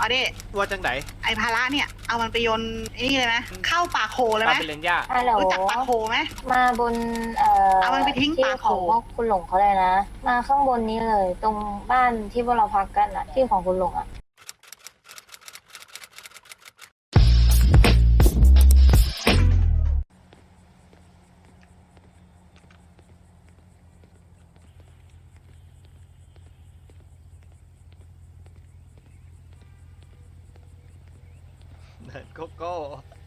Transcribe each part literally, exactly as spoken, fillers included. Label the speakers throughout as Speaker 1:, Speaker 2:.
Speaker 1: เอาดิ
Speaker 2: วัวจังไหน
Speaker 1: ไอภาระเนี่ยเอามันไปโยนไอ้นี่เลยไหมเข้าป่าโคเลย
Speaker 2: ป
Speaker 1: ไห
Speaker 2: ลาม เป็นเลนย่า
Speaker 3: ฮัลโหล
Speaker 1: รู้จักป่าโคไหม
Speaker 3: มาบนเอ่อ
Speaker 1: เอามันไปทิ้ง
Speaker 3: ที่
Speaker 1: ป่าโข
Speaker 3: ของพวกคุณหลงเขาเลยนะ มาข้างบนนี้เลย ตรงบ้านที่พวกเราพักกันอะที่ของคุณหลงอะ
Speaker 2: เนิร์ดโกโก้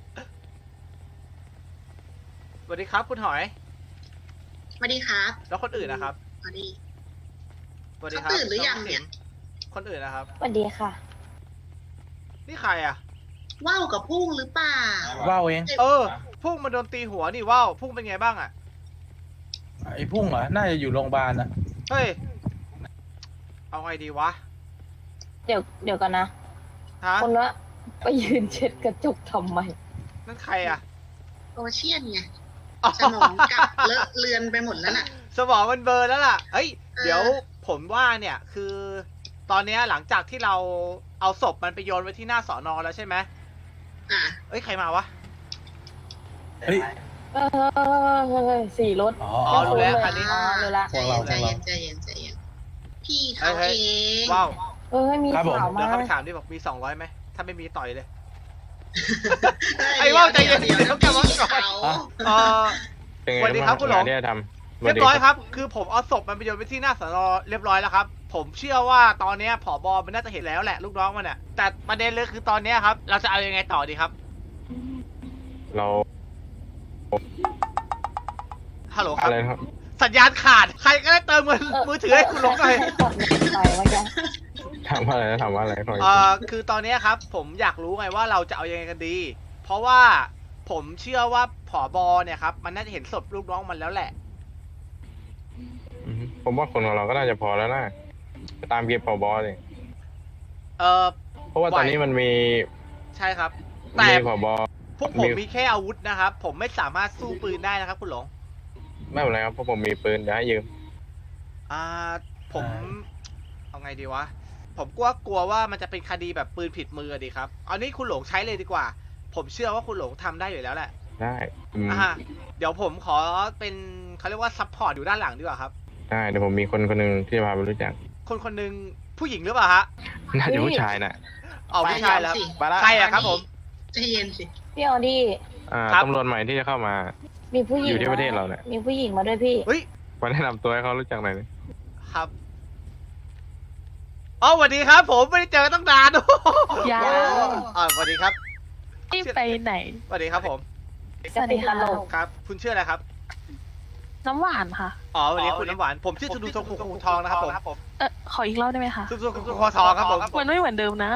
Speaker 2: สวัสดีครับคุณหอย
Speaker 4: สวัสดีครับ
Speaker 2: แล้วคนอื่นนะครับ
Speaker 4: สวัสดี
Speaker 2: สวัสดีครับ
Speaker 4: เขาตื่นหรือยังเนี่ย
Speaker 2: คนอื่นนะครับ
Speaker 3: สวัสดีค่ะ
Speaker 2: นี่ใครอ่ะ
Speaker 4: ว่าวกับพุ่งหรือเปล่า
Speaker 5: ว่าวเอง
Speaker 2: เออพุ่งมาโดนตีหัวนี่ว้าวพุ่งเป็นไงบ้างอ่ะ
Speaker 5: ไอ้พุ่งเหรอ น่าจะอยู่โรงพยาบาลนะ
Speaker 2: เฮ้ย เอาไงดีวะ
Speaker 3: เดี๋ยวเดี๋ยวกันนะ
Speaker 2: ฮะ
Speaker 3: คนละไปยืนเช็ดกระจกทำไม
Speaker 2: นั่นใครอ่ะ
Speaker 4: โอเชียนไงสมองกลับเลอะเลือนไปหมดแล้วน่ะ
Speaker 2: สมองมันเบลอร์แล้วล่ะ เฮ้ย
Speaker 4: เออ
Speaker 2: เดี๋ยวผมว่าเนี่ยคือ ตอนเนี้ยหลังจากที่เราเอาศพมันไปโยนไว้ที่หน้าสอนอแล้วใช่ไหม
Speaker 4: อ่ะ
Speaker 2: เอ้ยใครมาวะ
Speaker 5: เฮ้ย
Speaker 3: เออสี่รถ
Speaker 5: อ๋อ
Speaker 2: อ๋อรู้แล้วคันนี้
Speaker 3: อ๋อรู้ละ
Speaker 4: ใจ
Speaker 5: พวก
Speaker 4: เย็
Speaker 5: เรา
Speaker 4: นใจเย็นใจเย็นใจเย็นพี่
Speaker 2: เฮ้
Speaker 4: เขา
Speaker 2: ย
Speaker 4: เอง
Speaker 2: ว้าว
Speaker 3: เออมี
Speaker 5: ครับผม
Speaker 3: ข่าว
Speaker 2: เดี๋
Speaker 3: มา
Speaker 2: ยวเข้าไปถามดิบอกมีสองร้อยไหม ถ้าไม่มีต่อยเลย
Speaker 4: เ
Speaker 2: ไอ้ว่าวใจเย็น
Speaker 4: ดี๋ว
Speaker 2: เดี๋ยวกลับมาก่อน
Speaker 4: เขา
Speaker 2: เออ
Speaker 6: เป็นไง
Speaker 2: สวัสดีครับคุณหลง
Speaker 6: งานที่จะทำ
Speaker 2: เรียบร้อยครับ คือผมเอาศพมันไปโยนไปที่หน้าสอนอเรียบร้อยแล้วครับ ผมเชื่อว่าตอนเนี้ยผบมันน่าจะเห็นแล้วแหละลูกน้องมันอ่ะ แต่ประเด็นเลยคือตอนเนี้ยครับ เราจะเอายังไงต่อดีครับ
Speaker 6: เรา
Speaker 2: ฮัลโหลครับ
Speaker 6: อะไรนะครับ
Speaker 2: สัญญาณขาด ใครก็ได้เติมเงินมือถือให้คุณหลงหน่อย
Speaker 3: ถอดเงินไปเมื่อกี้
Speaker 6: ถามว่าอะไรนะถามว่าอะไรขออีก
Speaker 2: เอ่
Speaker 6: ที
Speaker 2: อคือตอนเนี้ยครับ ผมอยากรู้ไงว่าเราจะเอายังไงกันดี เพราะว่าผมเชื่อว่าผบเนี่ยครับมันน่าจะเห็นศพลูกน้องมันแล้วแหละ
Speaker 6: อืมผมว่าคนของเราก็น่าจะพอแล้วนะไปตามเก็บผบเลย
Speaker 2: เออ
Speaker 6: เพราะว่าตอนนี้มันมี
Speaker 2: ใช่ครับ แต่
Speaker 6: มีผบ
Speaker 2: พวกผม
Speaker 6: มี
Speaker 2: มีแค่อาวุธนะครับ ผมไม่สามารถสู้ปืนได้นะครับ คุณหลง
Speaker 6: ไม่เป็นไรครับเพราะผมมีปืนเดี๋ยวให้ยืม
Speaker 2: อ่าผมเอาไงดีวะ ผมกลัวกลัวว่ามันจะเป็นคดีแบบปืนผิดมืออะดีครับเอานี้คุณหลงใช้เลยดีกว่า ผมเชื่อว่าคุณหลงทำได้อยู่แล้วแหละ
Speaker 6: ได้อืม
Speaker 2: อ่าเดี๋ยวผมขอเป็นเขาเรียกว่าซัพพอร์ตอยู่ด้านหลังดีกว่าครับ
Speaker 6: ได้เดี๋ยวผมมีคนคนหนึ่งที่จะพาไปรู้จัก
Speaker 2: คนคนหนึ่งผู้หญิงหรือเปล่าฮะ
Speaker 6: น่าจะผู้ชายน่ะ
Speaker 2: อ๋อผู้ชายแล้ว
Speaker 4: สิ
Speaker 2: ใครอะครับผม
Speaker 4: ใจเย็นสิ
Speaker 3: พี่ออดี้
Speaker 6: อ่า
Speaker 2: ครับ
Speaker 6: ตำรวจใหม่ที่จะเข้ามา
Speaker 3: มีผู้หญิง
Speaker 6: อยู่ที่ประเทศเราเนี่ย
Speaker 3: มีผู้หญิงมาด้วยพี่
Speaker 2: เฮ้ย
Speaker 6: มาแนะนำตัวให้เขารู้จักหน่อยดิ
Speaker 2: ครับอ๋อสวัสดีครับ ผมไม่ได้เจอตั้งนาน
Speaker 7: ยัง
Speaker 2: อ่าสวัสดีครับ
Speaker 7: ที่ไปไหน
Speaker 2: สวัสดีครับผม
Speaker 7: สวัสดีค่ะ
Speaker 2: ครับ คุณชื่ออะไรครับ
Speaker 7: น้ำหวานค่ะ
Speaker 2: อ๋อสวัสดีคุณน้ำหวาน ผมชื่อสุดูทองคูทองนะครับผม
Speaker 7: เออขออีกรอบได้ไหมคะ
Speaker 2: สุดูทองทองครับผม
Speaker 7: มันไม่เหมือนเดิมนะ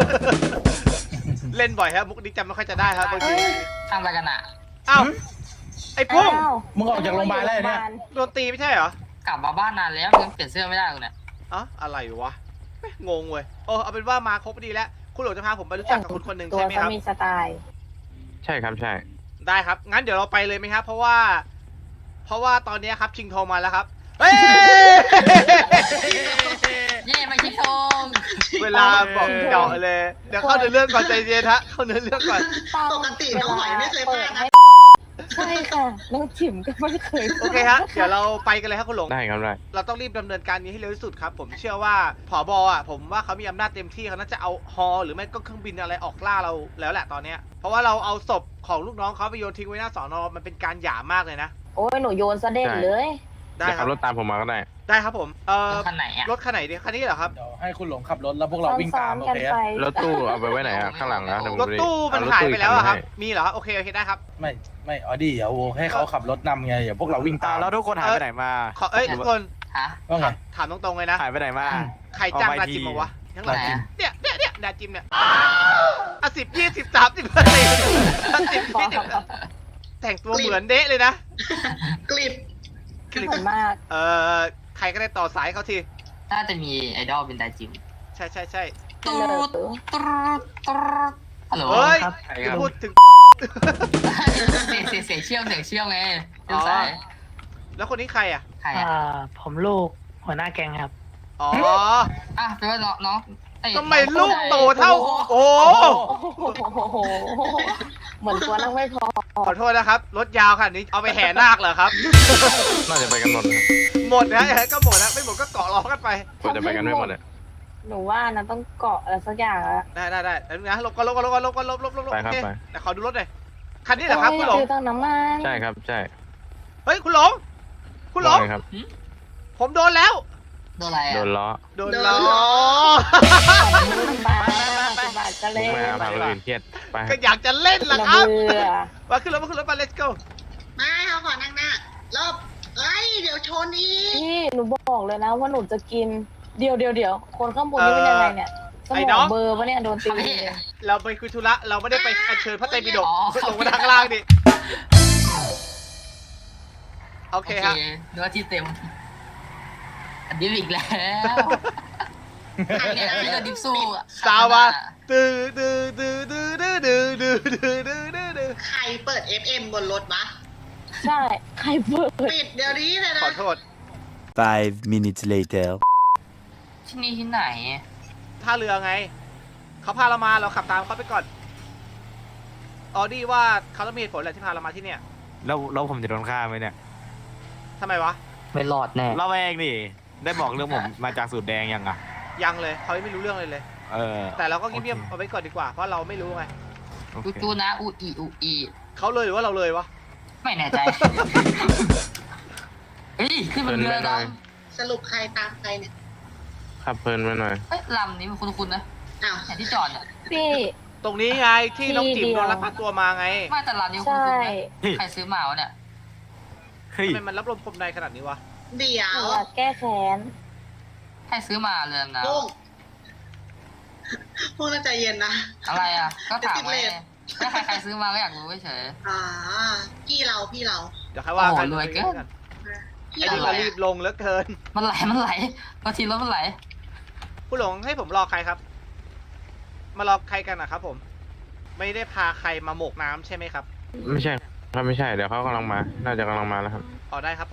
Speaker 2: เล่นบ่อยครับมุกนี้จำไม่ค่อยจะได้ครับบางที
Speaker 8: ทำอะไรกันอ่ะ
Speaker 2: อ้าวไอ้พุ่ง
Speaker 3: อ้าว
Speaker 5: มึงออกจากโรงพยาบาลแล้วเนี่ย
Speaker 2: โดนตีไม่ใช่เหรอ
Speaker 8: กลับมาบ้านนานแล้วยังเปลี่ยนเสื้อไม่ได้เลยเนี่ย
Speaker 2: อ๋ออะไรวะแม่งงเว้ยโอ้เอาเป็นว่ามาครบดีแล้ว คุณหลวงจะพาผมไปรู้จักกับคุณคนหนึ่ง
Speaker 3: ตัว
Speaker 2: ใช่ไหมค
Speaker 3: เขา
Speaker 2: รับ
Speaker 3: มีสไตล์
Speaker 6: ใช่ครับใช่
Speaker 2: ได้ครับ งั้นเดี๋ยวเราไปเลยไหมครับ เพราะว่า เพราะว่าตอนนี้ครับชิงโทรมาแล้วครับ เฮ้ย
Speaker 8: เย่มาคิดทง
Speaker 2: เวลาบอกเจาะเลย เดี๋ยวเข้าเนื้อเรื่องก่อนใจเย็นฮะ เข้าเนื้อเรื่องก่อน
Speaker 4: ปกติน้องหอยไม่เคยพลาดนะ
Speaker 3: ใช่ค่ะน้องจิ๋มก็ไม่เคย
Speaker 2: โอเคฮะ เดี๋ยวเราไปกันเลยครับคุณหลง
Speaker 6: ได้ครับได้
Speaker 2: เราต้องรีบดำเนินการนี้ให้เร็วที่สุดครับ ผมเชื่อว่าผบอ่ะ ผมว่าเขามีอำนาจเต็มที่เขาน่าจะเอาฮอหรือไม่ก็เครื่องบินอะไรออกล่าเราแล้วแหละตอนเนี้ย เพราะว่าเราเอาศพของลูกน้องเขาไปโยนทิ้งไว้หน้าสอนอมันเป็นการหย่ามากเลยนะ
Speaker 3: โอ้ยหนูโยนซะเด่นเลย
Speaker 2: ได้
Speaker 6: เดี๋ยว
Speaker 2: ครั
Speaker 6: ขั
Speaker 2: บบ
Speaker 6: รถตามผมมาก็ได้
Speaker 2: ได้ครับผม เอ่อ
Speaker 8: รถคันไหนอ่ะ
Speaker 2: รถคันไหนดีคันนี้เหรอครับ
Speaker 5: เดี๋ยวให้คุณหลงขับรถแล้วพวกเราวิ่งตาม
Speaker 3: ซ้
Speaker 5: โอ
Speaker 3: อนๆกัน
Speaker 5: เค
Speaker 3: ไป
Speaker 6: รถตู้เอาไปไว้ไหนอะข้างหลังนะเดี๋ยวผม
Speaker 2: รถ
Speaker 6: ไป
Speaker 2: ตู้มัน
Speaker 6: เอรถ
Speaker 2: หายไปแล้วอะครับ
Speaker 6: อีกน
Speaker 2: มีเหรอ โอเคโอเคได้ครับ
Speaker 5: ไม่ไม่ออดี้เดี๋ยวให้เขาขับรถนำไงเดี๋ยวพวกเราวิ่งตาม
Speaker 9: แล้วทุกคนหายไปไหนมา
Speaker 2: ขอเอ้ยทุกคน
Speaker 8: ฮะ
Speaker 5: ว่าไง
Speaker 2: ถามตรงๆเลยนะ
Speaker 9: หายไปไหนมา
Speaker 2: ใครจ้าง
Speaker 9: เอาไป
Speaker 2: ดาจิม
Speaker 9: ที
Speaker 2: มาวะทั้งหลัง
Speaker 5: ดาจิม
Speaker 2: เนี่ยเนี่ยเนี่ยดาจิมเนี่ยอ่ะสิบยี่สิบสามสิบสี่สิบยี่สิบแต่งตัวเหมือนเดะเลยนะ
Speaker 4: กลิบ
Speaker 3: เหมือนมาก
Speaker 2: เอ่อใครก็ได้ต่อสายเขาที
Speaker 8: น่าจะมีไอดอลเป็นไดจิม
Speaker 2: ใช่ใช่ใช่
Speaker 8: ตูดตูดตูดฮัลโหล
Speaker 2: เฮ้ย
Speaker 8: ครับ
Speaker 2: จะพูดถึง
Speaker 8: เสียงเสียงเสียงเชี่ยวเสียงเชี่ยวไง
Speaker 2: อ๋
Speaker 8: เส้
Speaker 2: อ
Speaker 8: นสาย
Speaker 2: แล้วคนนี้ใครอ่ะ
Speaker 8: ใคร
Speaker 7: อ่า
Speaker 8: อ่ะ
Speaker 7: ผมลูกหัวหน้าแกงครับ
Speaker 2: อ๋อ
Speaker 8: อ่ะแปลว่าน้องน้องเอ้ย
Speaker 2: ทำไมลูกโตเท่า โอ้
Speaker 3: โอ้โหเหมือนตัวนั่งไม่พอ
Speaker 2: ขอโทษนะครับ รถยาวขนาดนี้เอาไปแห่นาคเหรอครับ
Speaker 6: น่าจะไปกันหมดนะครับ
Speaker 2: หมดนะก็หมดนะไม่หมดก็เกาะล้อกันไป
Speaker 6: ควรจะไปกันไม่หมดเลย
Speaker 3: หนูว่านะต้องเกาะอะไรสักอย่างอะ
Speaker 2: ได้ได้ได้แล้วนะลบก็ลบก็ลบก็ลบก็ลบลบลบลบ
Speaker 6: ไปครับ
Speaker 2: โอเค
Speaker 6: ไป
Speaker 2: แต่ขอดูรถหน่อยคันนี้เหรอครับคุณหลง
Speaker 3: โอ้ยอยากดูตั้งน้ำมัน
Speaker 6: ใช่ครับใช่
Speaker 2: เฮ้ยคุณหลง คุณหลง
Speaker 6: ว่าไครับ
Speaker 2: ผมโดนแล้ว
Speaker 8: โดนอะไร
Speaker 6: โด
Speaker 8: อ่ะ
Speaker 6: นล้อ
Speaker 2: โดนล้อ
Speaker 3: บาทบาทจะ
Speaker 6: มุ
Speaker 3: เล่
Speaker 6: ก
Speaker 3: น
Speaker 6: ไม่เอาพาคนอื่นเครียดไป
Speaker 2: ก็อยากจะเล่นล่ะ
Speaker 3: ระ
Speaker 2: ครับ
Speaker 3: เบื่อ
Speaker 2: มาขึ้นรถมาขึ้นรถมา let's go
Speaker 4: ไม่เขาขอนั่งหน้ารอบเอ้ยเดี๋ยวชนอีก
Speaker 3: พี่หนูบอกเลยนะว่าหนูจะกินเดี๋ยวเดี๋ยวเดี๋ยวคนข้างบนนี่เป็นยังไงเนี่ยสมองเบลอร์ปะเนี่ยโดนตี
Speaker 8: พี่
Speaker 2: เราไปคุยธุระเราไม่ได้ไปอัญเชิญพระไตรปิฎกลงมาทางล่างดิโอ
Speaker 8: โอ
Speaker 2: เค
Speaker 8: เค
Speaker 2: ฮะ
Speaker 8: ดูว่าที่เต็มอันดิฟอีกแล้ว
Speaker 4: ใคร
Speaker 8: เนี่ย
Speaker 4: ได้
Speaker 8: พี่ก็ดิฟสู้อะ
Speaker 2: สาวัสดื้อดื้อดื้อดื้อดื้อดื้อดื้อดื้อดื้อดื้อดื้อ
Speaker 4: ใครเปิด เอฟ เอ็ม บนรถวะ
Speaker 3: ใช่ใครเปิด
Speaker 4: ปิดเดี๋ยวนี้เลยนะ
Speaker 2: ขอโทษ
Speaker 9: Five minutes later.
Speaker 8: ที่นี่ที่ไหน
Speaker 2: ท่าเรือไง เขาพาเรามาเราขับตามเขาไปก่อนออดี้ว่าเขาต้องมีเหตุผลอะไรที่พาเรามาที่เนี่ย
Speaker 10: แล้วแล้วผมจะโดนฆ่าไหมเนี่ย
Speaker 2: ทำไมวะ
Speaker 8: ไม่รอดแน่
Speaker 10: เราเองนี่ได้บอกเรื่องผมมาจากสูตรแดงยังอ่ะ
Speaker 2: ยังเลยเขายังไม่รู้เรื่องเลยเลย
Speaker 10: เออ
Speaker 2: แต่เราก็เงียบๆ
Speaker 10: โอเค
Speaker 2: เอาไว้ก่อนดีกว่าเพราะเราไม่รู้ไง
Speaker 10: โอเค
Speaker 8: จูจูนะอูอีอูอี
Speaker 2: เขาเลยหรือว่าเราเลยวะ
Speaker 8: ไม่แน่ใจ เฮ้ยขึ้นบนเรือด
Speaker 4: สรุปใครตามใครเนี่ย
Speaker 6: ขับเพลินไปหน่อย
Speaker 8: ำเอ้ยลำนี้มันคุ้นๆนะ
Speaker 4: อ้าว
Speaker 8: แห่ที่จอดเนี่ย
Speaker 3: พี่
Speaker 2: ตรงนี้ไงที่น้องจิ๋ม
Speaker 3: ที่เดี
Speaker 2: โด
Speaker 3: ยว
Speaker 2: นลักพาตัวมาไง
Speaker 8: ไม่แต่ลำนี้
Speaker 3: ใช่
Speaker 8: คุ้นๆนะใครซื้อมาวะเนี่ย
Speaker 10: เฮ้ย
Speaker 2: ทำไมมันรับลมคมในขนาดนี้วะ
Speaker 4: เดี๋ย
Speaker 3: หนู
Speaker 4: ว
Speaker 3: อยากแก้แค้น
Speaker 8: ใครซื้อมาเรือนะ
Speaker 4: พวกพวกน่าใจเย็นนะ
Speaker 8: อะไรอ่ะ ก็ถาม
Speaker 4: ติด
Speaker 8: ไว้
Speaker 4: เลท
Speaker 8: ถ้าใครใครซื้อมาก็อยากรู้เฉย
Speaker 4: อ่าพี่เราพี่เรา
Speaker 2: เดี๋ยวใครว่ากัน
Speaker 8: โอ้โหรวยเกิน
Speaker 4: พี่
Speaker 2: ไอ้
Speaker 4: เรา
Speaker 2: นี่ก็รีบลงเหลือเกิน
Speaker 8: มันไหลมันไหลบางทีรถมันไหล
Speaker 2: ผู้หลงให้ผมรอใครครับ มารอใครกันนะครับผม ไม่ได้พาใครมาโหมกน้ำใช่ไหมครับ
Speaker 6: ไม่ใช่ครับไม่ใช่เดี๋ยวเขากำลังมา น่าจะกำลังมาแล้วครับ
Speaker 2: อ๋อได้ครับผม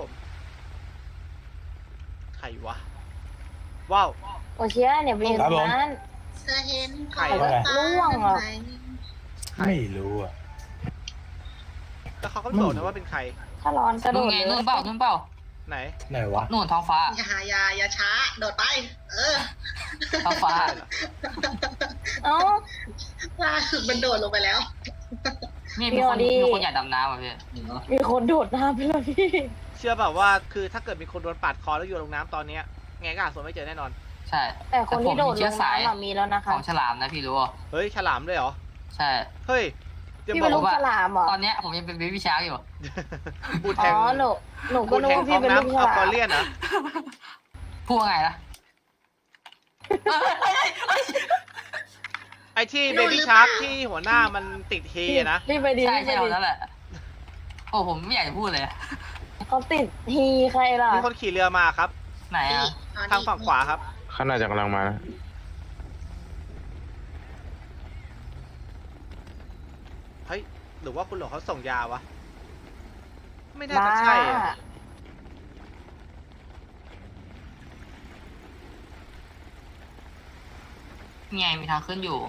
Speaker 2: ใครวะ ว้าว
Speaker 3: โอเชียเนี่ยไปอยู่ตรงนั้น
Speaker 4: เธอเห็น
Speaker 2: ใคร
Speaker 4: ขอบฟ้า
Speaker 3: ร่วงเหรอ
Speaker 4: ไหม
Speaker 5: ไม่รู้อ่ะ
Speaker 2: แล้วเขาก็ไม่บอกนะว่าเป็นใคร
Speaker 3: ถ้าร้อนกระโด
Speaker 8: นู่น
Speaker 3: ด
Speaker 8: ไง
Speaker 3: เล
Speaker 8: นู่น
Speaker 3: ย
Speaker 8: เปล่านู่นเปล่า
Speaker 2: ไหน
Speaker 5: ไหนวะ
Speaker 8: นู่นท้องฟ้า
Speaker 4: อย่าอย่าอย่าช้า โดดไป เออ
Speaker 8: ท้องฟ้า
Speaker 2: ได้เหรอ
Speaker 3: เอ้า
Speaker 4: ล่าสุดมันโดดลงไปแล้ว
Speaker 8: นี่มีคน
Speaker 3: พี่ออดี้
Speaker 8: มีคนอยากดำน้ำอ่ะพี่
Speaker 3: มีคนโดดน้ำไปแล้วพี่
Speaker 2: เชื่อแบบว่าคือถ้าเกิดมีคนโดนปาดคอแล้วโยนลงน้ำตอนเนี้ยไงก็หาส่วนไม่เจอแน่นอน
Speaker 8: ใช่
Speaker 3: แต่คนที่โดด
Speaker 8: ผมมี
Speaker 3: ล
Speaker 8: เชื้อง สาย
Speaker 3: น้ำอะมีแล้วนะ
Speaker 8: ข
Speaker 3: คะ
Speaker 8: องฉลามนะพี่รู้ป่ะ
Speaker 2: เฮ้ยฉลามด้วยเหรอ
Speaker 8: ใช่
Speaker 2: เฮ้ยจะ
Speaker 3: พี่
Speaker 2: บ
Speaker 3: เป็
Speaker 2: อน ก
Speaker 3: ลูก
Speaker 2: ว่า
Speaker 3: ฉลามเหรอ
Speaker 8: ตอนเนี้ยผมยังเป็นเบบี้ชาร์กอยู่
Speaker 2: บูด
Speaker 3: อ๋
Speaker 2: แทง
Speaker 3: อหนูหนูก็
Speaker 2: บูด
Speaker 3: นึก
Speaker 2: แทง
Speaker 3: ว่า
Speaker 2: ท้
Speaker 3: พี่
Speaker 2: อง
Speaker 3: เป็นลูก
Speaker 2: น้ำ
Speaker 3: ฉ
Speaker 2: อัล
Speaker 3: ลาก
Speaker 2: อ
Speaker 3: ม
Speaker 2: เลียนนะ
Speaker 8: พูดว่าไงล่ะ
Speaker 2: ไอที่เบบี้ชาร์กที่หัวหน้ามันติดเฮอะนะ
Speaker 3: รีบไปดี
Speaker 8: ใช่
Speaker 3: รีบไป
Speaker 8: ใช่เอา
Speaker 3: ดี
Speaker 8: นั่นแหละ โอ้ผมไม่อยากจะพูดเลย
Speaker 3: เขาติดฮีใครล่ะ
Speaker 2: มีคนขี่เรือมาครับ
Speaker 8: ไหนอ่ะ
Speaker 2: ทางฝั่งขวาครับ
Speaker 6: เขาน่าจะกำลังมานะ
Speaker 2: เฮ้ย หรือว่าคุณหลวงเขาส่งยาวะ ไม่น่าจะใช่อะ
Speaker 3: บ้า
Speaker 8: ไงมีทางขึ้นอยู่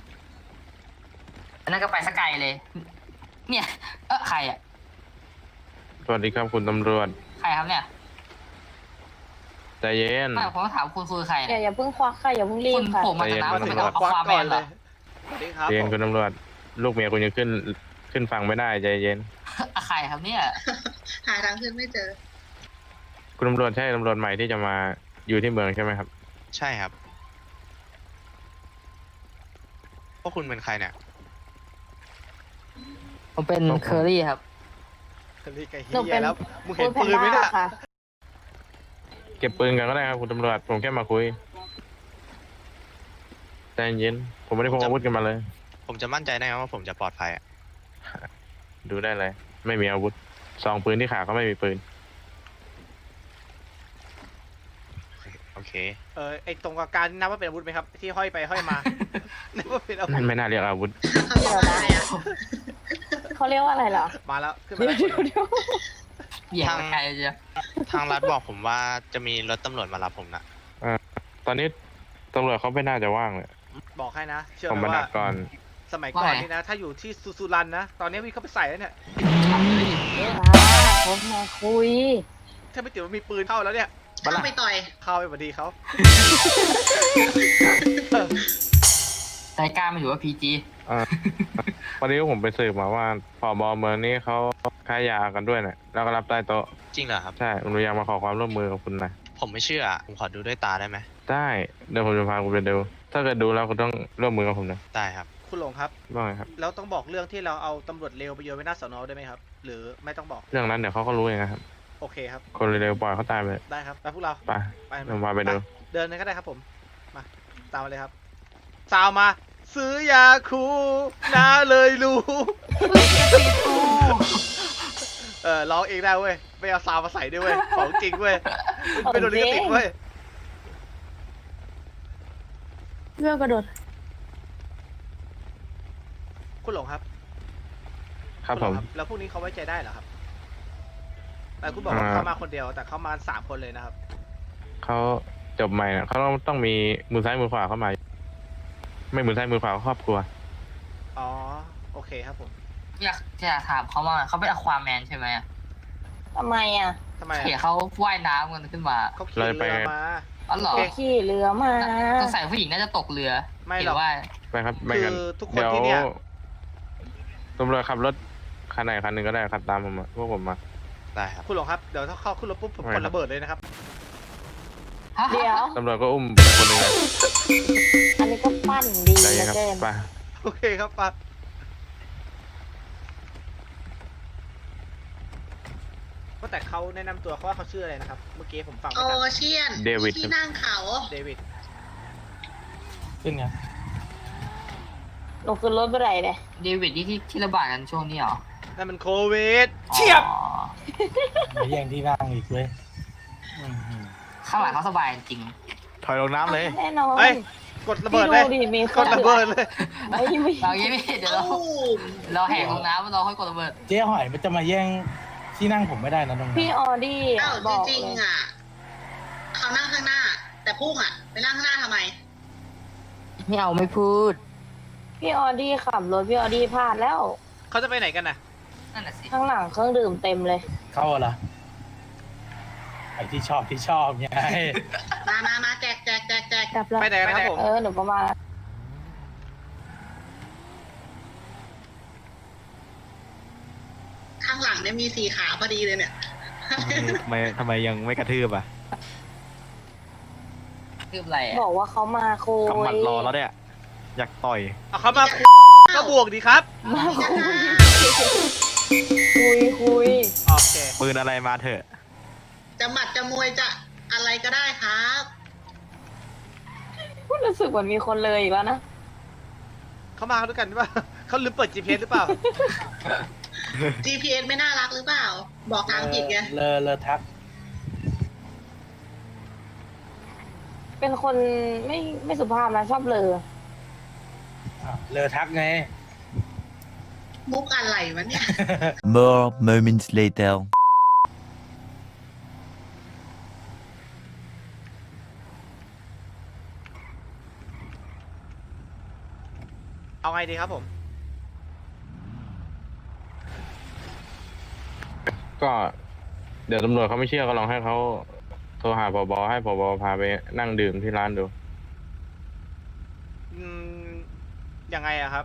Speaker 8: อันนั้นก็ไปสกายเลย เนี่ย เออใครอ่ะ
Speaker 6: สวัสดีครับคุณตำรวจ
Speaker 8: ใครครับเนี่ย
Speaker 6: ใจเย็น
Speaker 8: ไม่ผมต้องถามคุณคือใคร
Speaker 3: อย่า
Speaker 8: เนี่ย
Speaker 3: อย่าเพิ่งควักค่ะอย่าเพิ่งรี
Speaker 8: คุ
Speaker 3: บ
Speaker 8: ณ
Speaker 3: ค่ะ
Speaker 8: ผมมาจากน้ำ
Speaker 6: ใจ
Speaker 8: คุณ
Speaker 6: เย็น
Speaker 8: เป็นเอา
Speaker 2: ควัก
Speaker 8: ความแม
Speaker 2: ก่อน
Speaker 8: น
Speaker 2: เล
Speaker 8: เหรอย
Speaker 2: สวัสดีครับ
Speaker 6: ใจเย็น
Speaker 2: ผม
Speaker 6: คุณตำรวจ ลูกเมียคุณยังขึ้นขึ้นฟังไม่ได้ใจเย็น
Speaker 8: อะใครครับเนี่ย
Speaker 4: หาทางขึ้นไม่เจอ
Speaker 6: คุณตำรวจใช่ตำรวจใหม่ที่จะมาอยู่ที่เมืองใช่ไหมครับ
Speaker 10: ใช่ครับพวกคุณเป็นใครเนี่ย
Speaker 8: ผมเป็นเคอรี่ครับ
Speaker 2: รีไก่เฮี
Speaker 3: หนูเป็
Speaker 2: ย
Speaker 3: น
Speaker 2: แล้ว มึงเห็น
Speaker 3: ฟู้ด
Speaker 2: ปืนไหม
Speaker 3: แพ
Speaker 2: น่ะ
Speaker 3: ด้าค่ะ
Speaker 6: เก็บปืนกันก็ได้ครับคุณตำรวจผมแค่มาคุยใจเย็นผมไม่ได้พกอาวุธกันมาเลย
Speaker 10: ผมจะมั่นใจได้ไงว่าผมจะปลอดภัยอ่ะ
Speaker 6: ดูได้เลย ไม่มีอาวุธซองปืนที่ขาก็ไม่มีปืน
Speaker 10: โอเค
Speaker 2: เออไอตรงกลางๆนับว่าเป็นอาวุธไหมครับ ที่ห้อยไปห้อยมา นับว่าเป็นอาวุ
Speaker 6: นั่
Speaker 2: ธ
Speaker 6: นไม่น่าเรียกอาวุธ
Speaker 4: เขาเรียกว่าอะไรอ่ะ
Speaker 3: เขาเรียกว่าอะไรเหรอ
Speaker 2: มาแล้ว ขึ้นมา
Speaker 3: เดี๋ยว
Speaker 2: แล้ว
Speaker 3: เดี๋ยวเดี๋ยว
Speaker 8: เหยียบไปไกลเจียว
Speaker 10: ทางรัฐบอกผมว่าจะมีรถตำรวจมารับผมนะ
Speaker 6: ตอนนี้ตำรวจเขาไม่น่าจะว่างเลย
Speaker 2: บอกให้นะเชื่อ
Speaker 6: ผม
Speaker 2: ไหม
Speaker 6: มาดั
Speaker 2: ว่า
Speaker 6: กก่อน
Speaker 2: สมัยก่อนนี่นะ ถ้าอยู่ที่สุสุรันนะ ตอนนี้วิ่งเข้าไปใส่แล้วเนี่ย
Speaker 3: มาผมมาคุย
Speaker 2: ถ้าไม่ติดว่ามีปืนเข้าแล้วเนี่ย
Speaker 4: เข้าไปต่อย
Speaker 2: เข้าไปพอดีเขา
Speaker 8: ใจกล้าไม่ถือว่าพีจี
Speaker 6: อ่าวันนี้ผมไปสืบมาว่าผบเมืองนี้เขาค้ายากันด้วยเนี่ยแล้วก็รับใต้โต๊ะ
Speaker 10: จริงเหรอครับ
Speaker 6: ใช่ผมอยากมาขอความร่วมมือกับคุณหนะ
Speaker 10: ผมไม่เชื่อ ผมขอดูด้วยตาได้ไหม
Speaker 6: ได้เดี๋ยวผมจะพาคุณไปดู ถ้าเกิดดูแล้วคุณต้องร่วมมือกับผมนะ
Speaker 10: ได้ครับ
Speaker 2: คุณหลงครับ
Speaker 6: ว่าไงครับ
Speaker 2: แล้วต้องบอกเรื่องที่เราเอาตำรวจเร็วไปโยนไว้หน้าสอนอได้ไหมครับ หรือไม่ต้องบอก
Speaker 6: เรื่องนั้นเดี๋ยวเขาก็รู้เองนะครับ
Speaker 2: โอเคครับ
Speaker 6: คนเร็วๆปล่อยเขาตายไป
Speaker 2: ได้ครับไปพวกเรา
Speaker 6: ไป
Speaker 2: ไป
Speaker 6: ผมพาไปดู
Speaker 2: เดินเลยก็ได้ครับผม มา ตามมาเลยครับ สาวมา ซื้อยาคูน้าเลยรู้ เออร้องเองได้เว้ย ไม่เอาซาวมาใส่ด้วยเว้ย ของจริงเว้ย ไม่โดนลิขสิทธิ์เว้ย
Speaker 7: เรื่องกระโดด
Speaker 2: คุณหลงครับ
Speaker 6: ครับ
Speaker 2: ณ
Speaker 6: ผ
Speaker 2: หล
Speaker 6: ม
Speaker 2: งแล้วพวกนี้เขาไว้ใจได้เหรอครับ แต่คุณบอกว่า
Speaker 6: อ่า
Speaker 2: เขามาคนเดียว แต่เขามาสามคนเลยนะครับ
Speaker 6: เขาจบใหม่นะเขาต้องต้องมีมือซ้ายมือขวาเข้ามา ไม่มือซ้ายมือขวาก็ครอบครัว
Speaker 2: อ๋อ โอเคครับผม
Speaker 8: อยากอยากถามเขาว่าเขาเป็นอควาแมนใช่ไหมอะ
Speaker 3: ทำไมอ่ะ
Speaker 2: ทำไม
Speaker 8: เห็น
Speaker 2: อะ
Speaker 8: เขาว่ายน้ำกันขึ้นมา
Speaker 2: เขาขี่เรือมา
Speaker 8: อ๋อเหรอ
Speaker 2: โอเค
Speaker 3: ขี่เรือมา
Speaker 8: สงสัยผู้หญิงน่าจะตกเรือ
Speaker 2: ไม่หรอก
Speaker 8: เห็นว่า
Speaker 6: ไปครับไปกัน
Speaker 2: คือทุกคน
Speaker 6: เดี๋ยว
Speaker 2: ที่เนี่ย
Speaker 6: ตำรวจขับรถคันไหนคันหนึ่งก็ได้ขับตามผมมาพวกผมมา
Speaker 10: ได้ครับ
Speaker 2: คุณหลงครับ เดี๋ยวถ้าเข้าขึ้นรถปุ๊บผม
Speaker 6: ไม่
Speaker 2: ก
Speaker 6: ครั
Speaker 2: ด
Speaker 6: บ
Speaker 2: ระเบิดเลยนะครับ
Speaker 8: ฮะ
Speaker 3: เดี๋ยว
Speaker 6: ตำรวจก็อุ้มคนหนึ่งเลย
Speaker 3: อันนี้ก็ปั้นดี
Speaker 6: ใจ
Speaker 3: เห
Speaker 6: เย็
Speaker 3: ลื
Speaker 6: น
Speaker 3: อ
Speaker 6: ครับ
Speaker 3: เกิน
Speaker 6: ไป
Speaker 2: โอเคครับปั๊บว่าแต่เขาแนะนำตัวเขาว่าเขาชื่ออะไรนะครับ เมื่อกี้ผมฟัง
Speaker 4: โอ
Speaker 2: ไม่ทัน
Speaker 4: เชียน
Speaker 6: เดวิด
Speaker 4: ที่นั่งเขา
Speaker 2: เดวิด
Speaker 5: ขึ้นไง
Speaker 3: หนูขึ้นรถไปไหนเนี่ย
Speaker 8: เดวิดนี่ที่ที่ระบาดกันช่วงนี้เหรอ
Speaker 2: นั่นมันโควิด
Speaker 8: เฉียบ
Speaker 5: มาแย่งที่นั่งอีกเว้ยอื้อหือ
Speaker 8: ข้างหลังเขาสบายจริง
Speaker 10: ถอยลงน้ำเลย
Speaker 3: แน่นอน
Speaker 2: เฮ้ย กดระเบิดเลย
Speaker 3: พี่ดูดิมี
Speaker 2: กดระเบิดเลย
Speaker 3: ไม่ไม่
Speaker 8: เราอย่างนี้เดี๋ยวเรา
Speaker 4: ตู้ม
Speaker 8: เราแหกลงน้ำเราค่อยกดระเบิด
Speaker 5: เจ๊หอยมันจะมาแย่งที่นั่งผมไม่ได้นะตรงนี้
Speaker 3: พี่ออดี้
Speaker 4: อ้าว
Speaker 3: บ
Speaker 4: จ
Speaker 3: อก
Speaker 4: ริง
Speaker 3: เลย
Speaker 4: ๆอ่ะเขานั่งข้างหน้า แต่พุ่งอ่ะ ไปนั่งข้างหน้าทำไม
Speaker 8: ไม่เอาไม่พูด
Speaker 3: พี่ออดี้ขับรถพี่ออดี้พลาดแล้ว
Speaker 2: เขาจะไปไหนกันน่ะ
Speaker 8: นั่นแหละสิ
Speaker 3: ข้างหลังเครื่องดื่มเต็มเลย
Speaker 5: เข้าเหรอไอ้ที่ชอบที่ชอบไง
Speaker 4: มามามาแจกแจกแจกแจก
Speaker 3: กลับแล้ว
Speaker 2: ไปไหนกันนะครับผม
Speaker 3: เออหนูประมาณ
Speaker 4: ข้างหลังเนี่ยมีสีขาพอดีเลยเนี่ย
Speaker 10: ทำไมทำไมยังไม่กระทืบอ่ะ
Speaker 8: คืออะไรอะ
Speaker 3: บอกว่าเขามาคุย
Speaker 10: กำหมัดรอแล้วเนี่ย อยากต่อย
Speaker 2: เอาเขามาคุยก็บวกดีครับ
Speaker 3: มาคุยคุยคุย
Speaker 2: โอเค
Speaker 10: ปืนอะไรมาเถอะ
Speaker 4: จะหมัดจะมวยจะอะไรก็ได้ครับ
Speaker 3: รู้สึกเหมือนมีคนเลยอีกแล้วนะ
Speaker 2: เขามาด้วยกันหรือเปล่า เขาลืมเปิด จี พี เอส หรือเปล่า
Speaker 4: จี พี เอส ไม่น่ารักหรือเปล่า บอกทางผิดไง
Speaker 5: เลอเลอทัก
Speaker 3: เป็นคนไม่ไม่สุภาพนะชอบเลอ
Speaker 5: อ่ะเลอทักไง
Speaker 4: มุกอะไรวะเนี่ย
Speaker 9: More moments later.
Speaker 2: เอาไงดีครับผม
Speaker 6: ก็เดี๋ยวตำรวจเขาไม่เชื่อก็ลองให้เขาโทรหาผบให้ผบพาไปนั่งดื่มที่ร้านดู
Speaker 2: อืม ยังไงอะครับ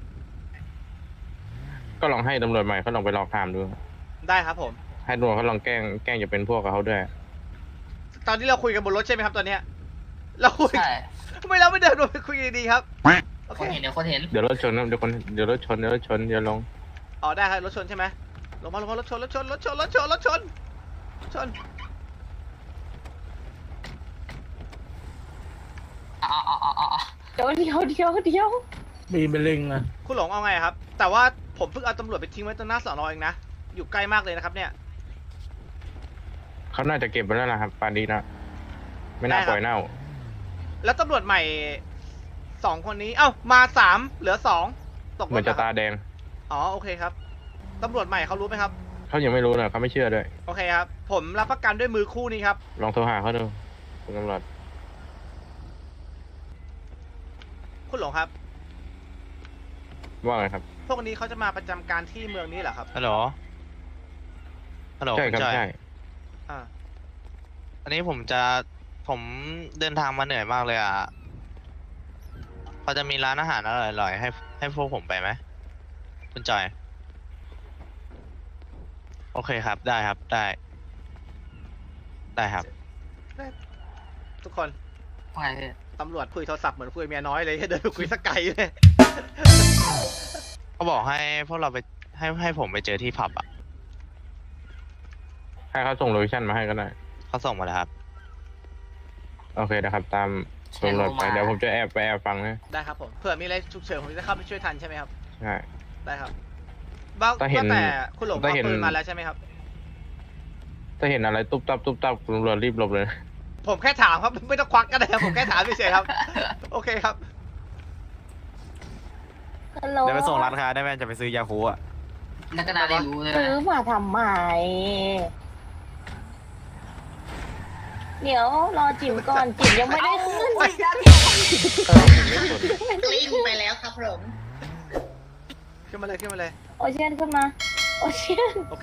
Speaker 6: ก็ลองให้ตำรวจใหม่เขาลองไปลองถามดู
Speaker 2: ได้ครับผม
Speaker 6: ให้ตำรวจเขาลองแกล้งแกล้งจะเป็นพวกกับเขาด้วย
Speaker 2: ตอนที่เราคุยกันบนรถใช่ไหมครับตอนเนี้ย เราคุย
Speaker 8: ใช่
Speaker 2: ทำไมเราไม่เดินลงไปคุยกันดีๆครับ โอ
Speaker 8: ค
Speaker 2: เคน
Speaker 8: เห็นเดี๋ยวคนเห็น
Speaker 6: เดี๋ยวรถชนนะเดี๋ยวคนเดี๋ยวรถชนเดี๋ยวรถชนเดี๋ยวลง
Speaker 2: อ๋อได้ครับรถชนใช่ไหมลงมาลงมารถชนรถชนรถชนรถชนรถชนชน
Speaker 8: อ๋ออ๋ออ๋ออ๋อ
Speaker 3: เดี๋ยวเดี๋ยวเดี๋ยวเดี๋ยว
Speaker 5: บีมเป็นลิงนะ
Speaker 2: คุณหลงเอาไงครับ แต่ว่าผมเพิ่งเอาตำรวจไปทิ้งไว้ตรงหน้าสอนอเองนะ อยู่ใกล้มากเลยนะครับเนี่ย
Speaker 6: เขาน่าจะเก็บไว้แล้วนะครับปานนี้นะไม่น่า
Speaker 2: ได้ครับ
Speaker 6: ปล่อยเน่า
Speaker 2: แล้วตำรวจใหม่สองคนนี้ เอ้า มาสามเหลือสองตกรถ
Speaker 6: เหมือนจะ
Speaker 2: หร
Speaker 6: ตา
Speaker 2: ครับ
Speaker 6: แดง
Speaker 2: อ๋อโอเคครับ ตำรวจใหม่เขารู้ไหมครับ
Speaker 6: เขายังไม่รู้นะเขาไม่เชื่อด้วย
Speaker 2: โอเคครับ ผมรับประกันด้วยมือคู่นี้ครับ
Speaker 6: ลองโทรหาเขาดูคุณตำรวจ
Speaker 2: คุณหลงครับ
Speaker 6: ว่าไงครับ
Speaker 2: พวกนี้เขาจะมาประจำการที่เมืองนี้เหรอครับ
Speaker 10: ฮัลโหล ฮัลโหล
Speaker 6: ใช่ครับ
Speaker 10: ณจอย
Speaker 6: ใช่
Speaker 2: อ่า
Speaker 10: อันนี้ผมจะผมเดินทางมาเหนื่อยมากเลยอ่ะพอจะมีร้านอาหารอร่อยๆให้ให้พวกผมไปไหมคุณจอย โอเคครับ ได้ครับ ได้ ได้ครับ
Speaker 2: ทุกคน
Speaker 8: ว่าไงพี่
Speaker 2: ตำรวจคุยโทรศัพท์เหมือนคุยเมียน้อยเลย เดินไปคุยสกไกลเลย
Speaker 10: เขาบอกให้พวกเราไปให้ให้ผมไปเจอที่ผับอ่ะ
Speaker 6: ให้เขาส่งโลเคชั่นมาให้ก็ได้
Speaker 10: เขาส่งมาแล้วครับ
Speaker 6: โอเคนะครับ ตามตำรวจไปเดี๋ยวผมจะแอบไปแอบฟังนะ
Speaker 2: ได้ครับผม เผื่อมีอะไรฉุกเฉินผมจะเข้าไปช่วยทันใช่ไหมครับ
Speaker 6: ใช่
Speaker 2: ได้ครับบ้า
Speaker 6: ถ้าเห็น
Speaker 2: ว่าแต่คุณหลง
Speaker 6: ถ้า
Speaker 2: เอา
Speaker 6: เห็น
Speaker 2: ปืนมาแล้วใช่ไหมครับ
Speaker 6: ถ้าเห็นอะไรตุ๊บตับตุ๊บตับคุณตำรวจรีบหลบเลยนะ
Speaker 2: ผมแค่ถามครับ ไม่ต้องควักก็ได้ครับ ผมแค่ถามเฉยๆครับ โอเคครับ
Speaker 3: ฮัลโหล
Speaker 10: เดี๋ยวไปส่งร้านค้าได้ไหมจะไปซื้อยาคูอ่ะ
Speaker 8: แล้วก็น่าได้รู้เลย
Speaker 3: ซื้อ
Speaker 8: นะ
Speaker 3: มาทำไม เดี๋ยวรอจิ๋มก่อนจิ๋มยังไม่ได้ขึ้น
Speaker 6: เออผมไม่สน
Speaker 4: กลิ้งไปแล้วครับผม
Speaker 2: ขึ้นมาเลยขึ้นมาเลย
Speaker 3: โอเชียนขึ้นมา โอเชียน
Speaker 2: โอเค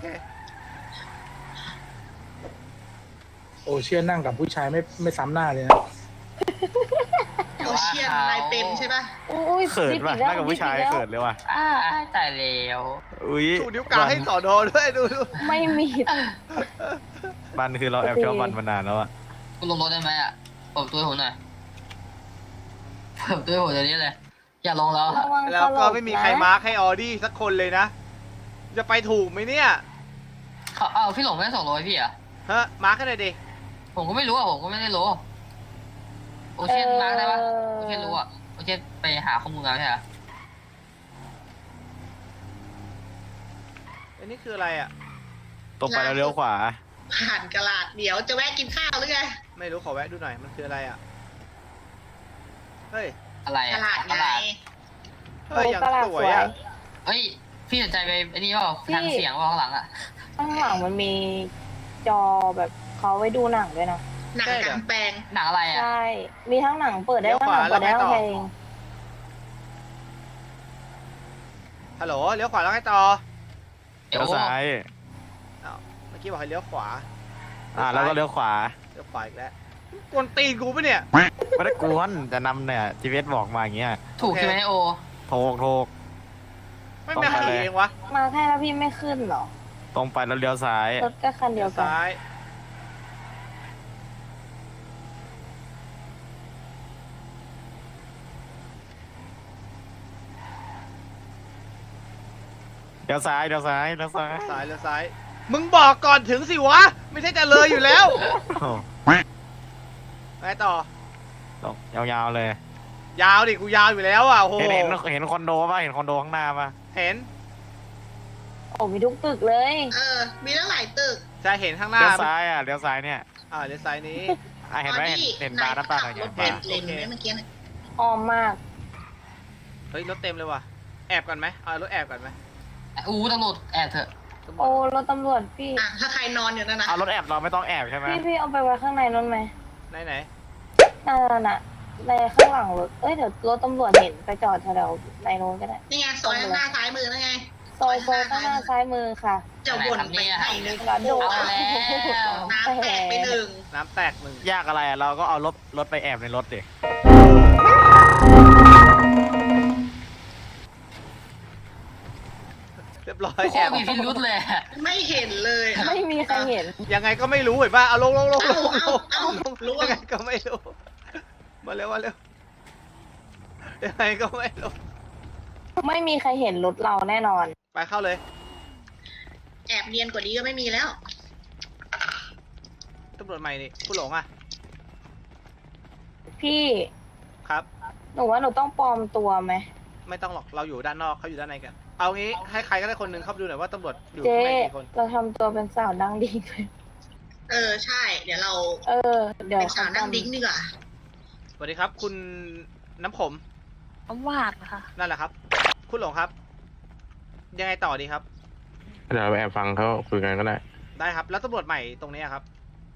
Speaker 5: โอเชียนนั่งกับผู้ชายไม่ไม่ซ้ำหน้าเลยนะ
Speaker 4: โอเชียนนายเป็นใช่ปะ
Speaker 3: อุ้ย
Speaker 10: เขิน
Speaker 3: ดิบ
Speaker 10: ว่ะ
Speaker 3: อีกแล้ว
Speaker 10: นั่งกับผู้ชาย
Speaker 3: ดิบอีกแล้ว
Speaker 10: เขินเลยว่ะ
Speaker 8: อ่าตายแล้ว
Speaker 10: อุ้ย
Speaker 2: ชูนิ้วกลางให้สอนอด้วยดูดู
Speaker 3: ไม่มี
Speaker 10: มันคือเราแอบชอบมันมานานแล้วอ่ะ
Speaker 8: คุณลงรถได้ไหมอ่ะเปิดประตัวให้ผมหน่อยเปิดประตัวให้ผมเดี๋ยวนี้เลย อย่าลงแล้ว
Speaker 3: ระวัง
Speaker 2: แล้วก็
Speaker 3: ตล
Speaker 2: ไม่มี
Speaker 3: นะ
Speaker 2: ใครมาร์คให้ออดี้สักคนเลยนะ จะไปถูกไหมเนี่ย
Speaker 8: เขาเอาพี่หลงไม่ได้ส่งรถให้พี่เหรอ่ะ
Speaker 2: ฮะ มาร์คให้หน่อยดิ
Speaker 8: ผมก็ไม่รู้อ่ะผมก็ไม่ได้รู้โอเชียนมาร์กได้ปะโอเชียนรู้อ่ะโอเชียนไปหาข้อมูลมาใช่ไหม
Speaker 2: อันนี้คืออะไรอ่ะ
Speaker 10: ตรงไปแล้วเลี้ยวขวา
Speaker 4: ผ่านกระลาดเดี๋ยวจะแวะกินข้าวหรือไง
Speaker 2: ไม่รู้ขอแวะดูหน่อย มันคืออะไรอ่ะ เฮ้ย
Speaker 8: อะไร
Speaker 4: ก
Speaker 8: อ่ะ
Speaker 4: ระลาด
Speaker 8: ต
Speaker 4: ไง
Speaker 8: ลาด
Speaker 2: เฮ้ยอย่าง
Speaker 3: ตลาด
Speaker 2: ส
Speaker 3: ส
Speaker 2: ว
Speaker 3: วย ย
Speaker 2: อ่ะ
Speaker 8: เฮ้ยพี่สนใจไปไอ้นี่เปล่าทางเสียงว่าข้างหลังอ่ะ
Speaker 3: ข้างหลังมันมีจอแบบเขาไว้ดูหนังด้วยนะ
Speaker 4: หนังกลางแปลง
Speaker 8: หนังอะไรอ่ะ
Speaker 3: ใช่ มีทั้งหนังเปิดได้
Speaker 2: เลี้ยว
Speaker 3: ทั้ง
Speaker 2: ข
Speaker 3: ห
Speaker 2: วา
Speaker 3: นังเปิดได้
Speaker 2: แล้ว
Speaker 3: ทั้ง
Speaker 2: ไงต่อ
Speaker 3: เพลง
Speaker 2: ฮัลโหล เลี้ยวขวาแล้วไงต่อ
Speaker 10: เลี้ยวซ้าย
Speaker 2: อ้าวเมื่อกี้บอกให้เลี้ยวขวา
Speaker 10: อ่าแล้วก็เลี้ยวขวา
Speaker 2: เลี้ยวขวาอีกแล้วกวนตีนกูปะเนี่ย
Speaker 10: ไม่ได้กวนจะนำเนี่ยจีพีเอสบอกมาอย่างเงี้ย
Speaker 8: ถูกใช่ไหมโอ
Speaker 10: โทรโทร
Speaker 2: ไม่แม่ง
Speaker 10: ต้องไป
Speaker 2: ขี่
Speaker 10: เลย
Speaker 2: เองวะ
Speaker 3: มาแค่แล้วพี่ไม่ขึ้นเหรอ
Speaker 10: ตรงไปแล้วเลี้ยวซ้าย
Speaker 3: รถก็คันเดี
Speaker 2: เลี้
Speaker 3: ย
Speaker 2: ยว ว
Speaker 3: กัน
Speaker 2: ซ้าย
Speaker 10: เลี้ยวซ้ายเลี้ยวซ้ายเลี้ยวซ้าย
Speaker 2: ซ้ายเลี้ยวซ้าย มึงบอกก่อนถึงสิวะ ไม่ใช่จะเลยอยู่แล้ว
Speaker 10: โอ้
Speaker 2: ไงต่อ
Speaker 10: ตรงยาวๆเลย
Speaker 2: ยาวดิ กูยาวอยู่แล้วอ่ะโอ้โห
Speaker 10: เห็นเห็นเห็นคอนโดป่ะเห็นคอนโดข้างหน้าป่ะ
Speaker 2: เห็น
Speaker 3: โอ้มีทุกตึกเลย
Speaker 4: เออ มีตั้งหลายตึก
Speaker 2: จะเห็นข้างหน้า
Speaker 10: เลี้ยวซ้ายอ่ะเลี้ยวซ้ายเนี่ย
Speaker 2: อ่าเลี้ยวซ้ายนี้
Speaker 10: อ่ะเห็นไหมเห็นเห็นบาร์น้ำตาลอะไร
Speaker 4: ร
Speaker 10: เงี้
Speaker 4: ถ
Speaker 10: ย
Speaker 4: เต็ม
Speaker 10: บาร์
Speaker 4: เลนไหมเมื่อกี้เนี่ย
Speaker 3: อ้อมมาก
Speaker 2: เฮ้ย รถเต็มเลยว่ะ แอบก่อนไหมเอารถแอบก่อนไหม
Speaker 8: อู้ตำรวจแอบเถอะ
Speaker 2: ตำรว
Speaker 3: โอ้
Speaker 2: จ
Speaker 3: รถตำรวจพี่
Speaker 4: อ่ะ ถ้าใครนอนอยู่นั่นนะ
Speaker 10: เอารถแอบเราไม่ต้องแอบใช่ไหม
Speaker 3: พี่พี่เอาไปไว้ข้างในนั้นไหม
Speaker 2: ไหนไหน
Speaker 3: นั่นน่ะในข้างหลังรถ เอ้ยเดี๋ยวรถตำรวจเห็นไปจอดแถวๆในโน้นก็ได้
Speaker 4: นี่ไงซอยข้างหน้าซ้ายมือนั่นไง
Speaker 3: ซอยโซข้างหน้าซ้ายมือค่ะ
Speaker 4: จะวนไปไหนนึก
Speaker 3: กระโดด
Speaker 8: เอาแล้ว
Speaker 4: น้ำแตกไปหนึ่ง
Speaker 2: น้ำแตกหนึ่ง
Speaker 10: ยากอะไรอ่ะเราก็เอารถรถไปแอบในรถดิ
Speaker 2: เรียบร้อย
Speaker 8: โค
Speaker 2: แอ
Speaker 8: ต
Speaker 2: บ
Speaker 8: รมีพิรุษเลยอะ
Speaker 4: ไม่เห็นเลยอะ
Speaker 3: ไม่มีใครเห็น
Speaker 2: ยังไงก็ไม่รู้เห็นป่ะเอาลงลงลงลงล
Speaker 4: เอา
Speaker 2: ง
Speaker 4: เอา
Speaker 2: ลง
Speaker 4: ล่วง
Speaker 2: ยังไงก็ไม่รู้ มาเร็วมาเร็วยังไงก็ไม่รู้
Speaker 3: ไม่มีใครเห็นรถเราแน่นอน
Speaker 2: ไปเข้าเลย
Speaker 4: แอบเนียนกว่านี้ก็ไม่มีแล้ว
Speaker 2: ตำรวจใหม่นี่ผู้หลงอ่ะ
Speaker 3: พี่
Speaker 2: ครับ
Speaker 3: หนูว่าหนูต้องปลอมตัวไหม
Speaker 2: ไม่ต้องหรอกเราอยู่ด้านนอกเขาอยู่ด้านในกัน เอางี้ให้ใครก็ได้คนหนึ่งเข้าไปดูหน่อยว่าตำรวจอยู่
Speaker 3: เจ๊
Speaker 2: ข้างในกี่คน
Speaker 3: เราทำตัวเป็นสาวดังดิ้งเลย
Speaker 4: เออ ใช่ เดี๋ยวเรา
Speaker 3: เออ เดี๋ยว
Speaker 4: เป็นสาวนั่งดิ้งดีกว่า
Speaker 2: สวัสดีครับ คุณน้ำผม
Speaker 7: น้ำหวานค่ะ
Speaker 2: นั่นแหละครับ คุณหลงครับ ยังไงต่อดีครับ
Speaker 6: เดี๋ยวเราไปแอบฟังเขาคุยกันก็ได้
Speaker 2: ได้ครับ แล้วตำรวจใหม่ตรงนี้ครับ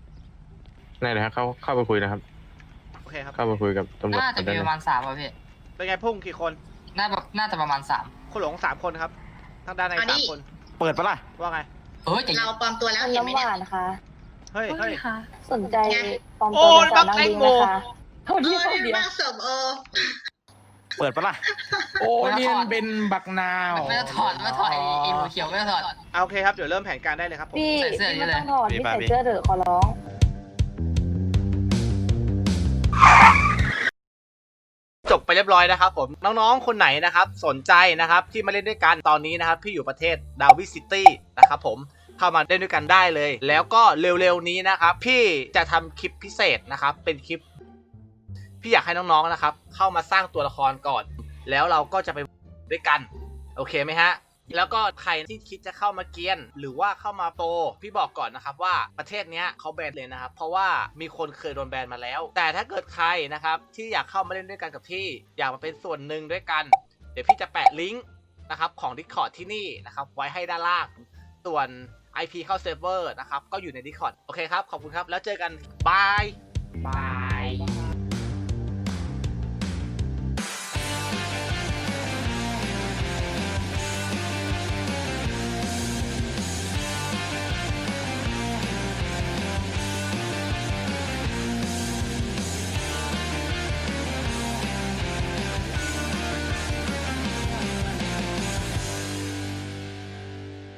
Speaker 6: ได้เลยครับเข้าเข้าไปคุยนะครับ
Speaker 2: โอเคครับ
Speaker 6: เข้าไปคุยกับตำรวจ
Speaker 8: น่าจะ
Speaker 6: ได้
Speaker 8: มี
Speaker 6: เล
Speaker 8: ป
Speaker 6: ย
Speaker 8: ระมาณสามป่ะพี่
Speaker 2: เป็นไงพุ่งกี่คน
Speaker 8: น่าแบบน่าจะประมาณสาม
Speaker 2: คุณหลงสามคนครับทางด้านใน
Speaker 4: เอาดิ
Speaker 2: สามคน
Speaker 5: เปิดปะล่ะ
Speaker 2: ว่าไง
Speaker 8: เฮ้ยแต่
Speaker 4: เราปลอมตัวแล้ว
Speaker 3: คุณ
Speaker 4: เห็นไหม
Speaker 3: น้ำห
Speaker 4: เนี่ยว
Speaker 3: านค่ะ
Speaker 2: เฮ้ยเฮ้ย
Speaker 7: ค่ะ
Speaker 3: สนใจปลอม
Speaker 2: โอ้
Speaker 3: ตัวเป็นสาว
Speaker 2: บั
Speaker 3: นาก ง
Speaker 2: แตง
Speaker 3: บิน
Speaker 2: โม
Speaker 3: นะคะเท่า
Speaker 4: เอ
Speaker 3: ที่
Speaker 4: อ
Speaker 3: เท่า
Speaker 4: นี่
Speaker 3: เดียว
Speaker 4: มากเสิร์ฟเออ
Speaker 5: เปิดปะล่ะ โอ้เรียนเป็นบักนาว
Speaker 8: ไม่ต้องถอดไม่ต้องถอดไอ้ไอ้หมูเขียวไม่ต้องถอด
Speaker 2: เอาโอเคครับเดี๋ยวเริ่มแผนการได้เลยครับผม
Speaker 3: พี่
Speaker 8: ใส่เสื้อ
Speaker 3: พี่
Speaker 8: นี่
Speaker 3: ไม่
Speaker 8: เลย
Speaker 3: ต้องถอด
Speaker 10: มี
Speaker 3: พี่
Speaker 10: ป่ะ
Speaker 3: ใส่
Speaker 10: มี
Speaker 3: เสื้อเถอะขอร้อง
Speaker 2: จบไปเรียบร้อยนะครับผมน้องๆคนไหนนะครับสนใจนะครับที่มาเล่นด้วยกันตอนนี้นะครับพี่อยู่ประเทศดาวิซิตี้นะครับผมเข้ามาเล่นด้วยกันได้เลย แล้วก็เร็วๆนี้นะครับพี่จะทำคลิปพิเศษนะครับเป็นคลิปพี่อยากให้น้องๆนะครับเข้ามาสร้างตัวละครก่อน แล้วเราก็จะไปด้วยกันโอเคไหมฮะแล้วก็ใครที่คิดจะเข้ามาเกียนหรือว่าเข้ามาโปรพี่บอกก่อนนะครับว่าประเทศเนี้ยเขาแบนเลยนะครับเพราะว่ามีคนเคยโดนแบนมาแล้วแต่ถ้าเกิดใครนะครับที่อยากเข้ามาเล่นด้วยกันกับพี่อยากมาเป็นส่วนหนึ่งด้วยกันเดี๋ยวพี่จะแปะลิงก์นะครับของ Discord ที่นี่นะครับไว้ให้ด้านล่างส่วน ไอ พี เข้าเซิร์ฟเวอร์นะครับก็อยู่ใน Discord โอเคครับขอบคุณครับแล้วเจอกันบายบาย